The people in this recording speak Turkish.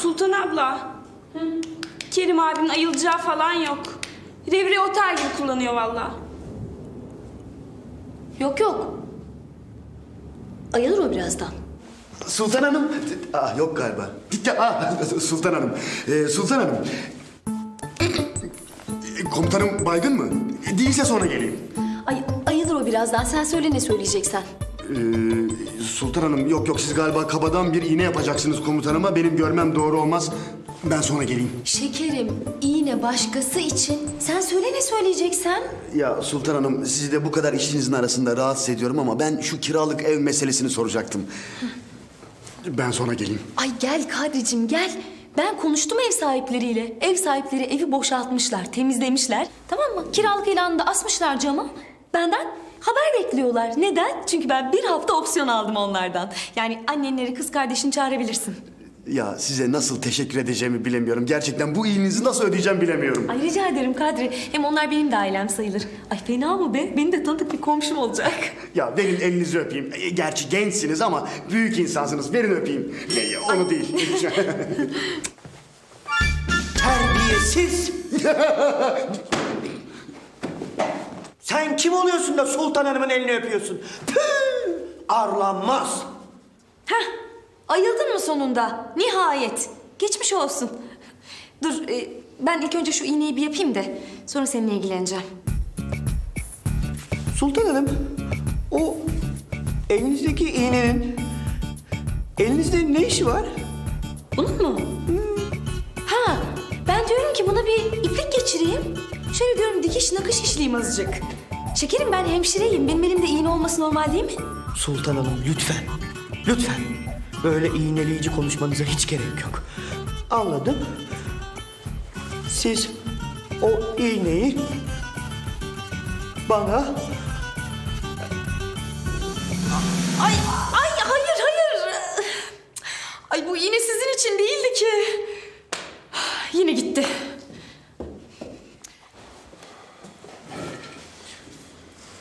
Sultan abla. Kerim abinin ayılacağı falan yok. Revri otel gibi kullanıyor vallahi. Yok yok. Ayılır o birazdan. Sultan Hanım. Yok galiba. Sultan Hanım. Sultan Hanım. Komutanım baygın mı? Değilse sonra geleyim. Ay ayılır o birazdan. Sen söyle ne söyleyeceksen. Sultan Hanım yok siz galiba kabadan bir iğne yapacaksınız komutanıma. Benim görmem doğru olmaz. Ben sonra geleyim. Şekerim, iğne başkası için. Sen söyle ne söyleyeceksen. Ya Sultan Hanım sizi de bu kadar işinizin arasında rahatsız ediyorum ama ben şu kiralık ev meselesini soracaktım. Ben sonra geleyim. Ay gel Kadricim gel. Ben konuştum ev sahipleriyle. Ev sahipleri evi boşaltmışlar, temizlemişler. Tamam mı? Kiralık ilanını da asmışlar cama. Benden haber bekliyorlar. Neden? Çünkü ben bir hafta opsiyon aldım onlardan. Yani annenleri, kız kardeşini çağırabilirsin. Ya size nasıl teşekkür edeceğimi bilemiyorum. Gerçekten bu iyiliğinizi nasıl ödeyeceğim bilemiyorum. Ay rica ederim Kadri. Hem onlar benim de ailem sayılır. Ay fena mı be? Benim de tanıdık bir komşum olacak. Ya verin elinizi öpeyim. Gerçi gençsiniz ama büyük insansınız. Verin öpeyim. Onu değil. Terbiyesiz! Sen kim oluyorsun da Sultan Hanım'ın elini öpüyorsun? Püh! Arlanmaz! Heh, ayıldın mı sonunda? Nihayet. Geçmiş olsun. Dur, ben ilk önce şu iğneyi bir yapayım da sonra seninle ilgileneceğim. Sultan Hanım, o elinizdeki iğnenin elinizde ne işi var? Bunun mu? Ha, ben diyorum ki buna bir iplik geçireyim. Şöyle diyorum dikiş nakış işleyeyim azıcık. Şekerim ben hemşireyim. Benim elimde iğne olması normal değil mi? Sultan Hanım lütfen, lütfen. Böyle iğneleyici konuşmanıza hiç gerek yok. Anladım. Siz o iğneyi bana... Ay hayır. Ay bu iğne sizin için değildi ki. Yine gitti.